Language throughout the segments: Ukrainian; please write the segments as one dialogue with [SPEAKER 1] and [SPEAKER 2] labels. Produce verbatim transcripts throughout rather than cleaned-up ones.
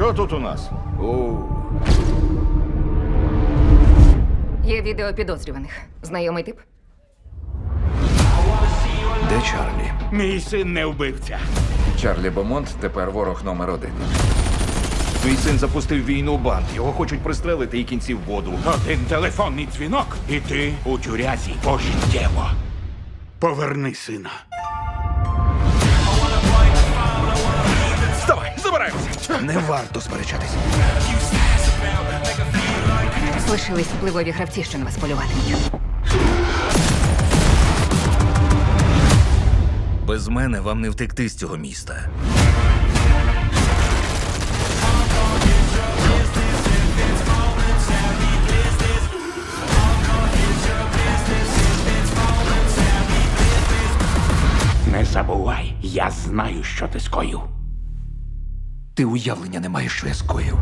[SPEAKER 1] Що тут у нас? О,
[SPEAKER 2] Є відео підозрюваних. Знайомий тип?
[SPEAKER 3] Де Чарлі?
[SPEAKER 4] Мій син не вбивця.
[SPEAKER 3] Чарлі Бомонт тепер ворог номер один.
[SPEAKER 1] твій син запустив війну в банк. Його хочуть пристрелити і кінці в воду.
[SPEAKER 4] Один телефонний дзвінок, і ти у тюрязі пожиттєво. Поверни сина.
[SPEAKER 1] Вставай, забираємося!
[SPEAKER 3] Не варто сперечатися.
[SPEAKER 2] Лишились впливові гравці, що на вас полюватимуть.
[SPEAKER 5] Без мене вам не втекти з цього міста.
[SPEAKER 4] Не забувай, я знаю, що ти скоїв.
[SPEAKER 3] Ти уявлення не маєш, що я скоїв.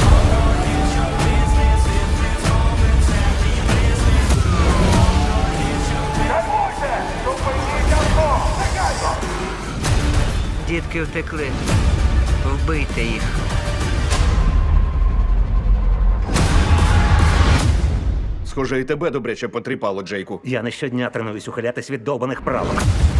[SPEAKER 6] Дітки втекли. Вбийте їх.
[SPEAKER 1] Схоже, і тебе добряче потріпало, Джейку.
[SPEAKER 7] Я не щодня тренуюсь ухилятись від довбаних правок.